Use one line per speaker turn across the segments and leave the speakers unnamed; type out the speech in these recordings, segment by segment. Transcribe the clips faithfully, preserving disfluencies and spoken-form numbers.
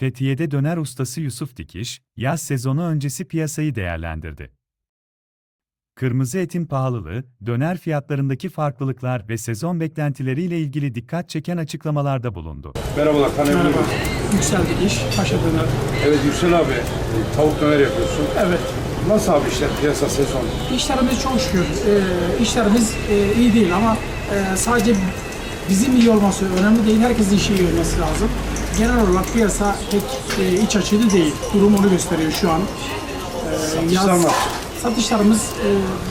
Fethiye'de döner ustası Yusuf Dikiş, yaz sezonu öncesi piyasayı değerlendirdi. Kırmızı etin pahalılığı, döner fiyatlarındaki farklılıklar ve sezon beklentileriyle ilgili dikkat çeken açıklamalarda bulundu.
Merhabalar, tanıyabilir
Merhaba,
miyim?
Yüksel Dikiş, Paşa Döner.
Evet Yüksel abi, tavuk döner yapıyorsun.
Evet,
Nasıl abi işler, piyasa, sezon?
işlerimiz çok şükür, e, işlerimiz e, iyi değil ama e, sadece bizim iyi olması önemli değil, herkesin işi iyi olması lazım. Genel olarak piyasa pek e, iç açıcı değil, durum onu gösteriyor şu an. E,
Satışlar nasıl?
Satışlarımız e,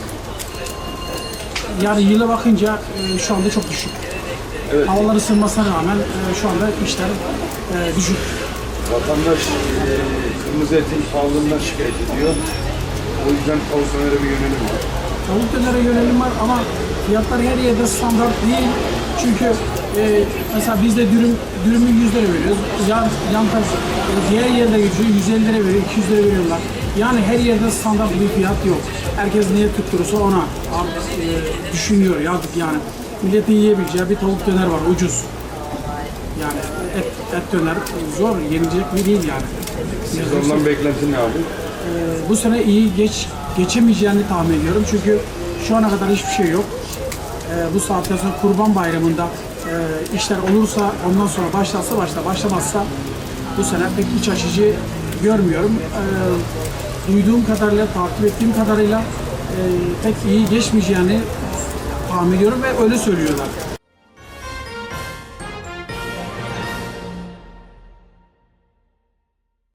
yani yıla bakınca e, şu anda çok düşük.
Evet.
Havalar ısınmasına rağmen e, şu anda işler e, düşük.
Vatandaş e, kırmızı etin pahalılığından şikayet ediyor. O yüzden tavuk dönere bir yönelim var.
Tavuk dönere yönelim var ama fiyatlar her yerde standart değil. Çünkü e, mesela biz de dürüm, dürümü yüz lira veriyoruz. Yan, yan taraf, e, diğer yerlere geçiyor yüz elli lira veriyor, iki yüz lira veriyorlar. Yani her yerde standart bir fiyat yok. Herkes niye tutturursa ona abi, e, düşünüyor yazık yani. Milletin yiyebileceği bir tavuk döner var ucuz. Yani et, et döner zor, yenilecek bir değil yani.
Sezondan beklentin ne abi?
Ee, bu sene iyi geç geçemeyeceğini tahmin ediyorum çünkü şu ana kadar hiçbir şey yok. Ee, bu saatten sonra Kurban Bayramı'nda e, işler olursa ondan sonra başlarsa başla başlamazsa bu sene pek iç açıcı görmüyorum. Ee, duyduğum kadarıyla, takip ettiğim kadarıyla e, pek iyi geçmeyeceğini tahmin ediyorum ve öyle söylüyorlar.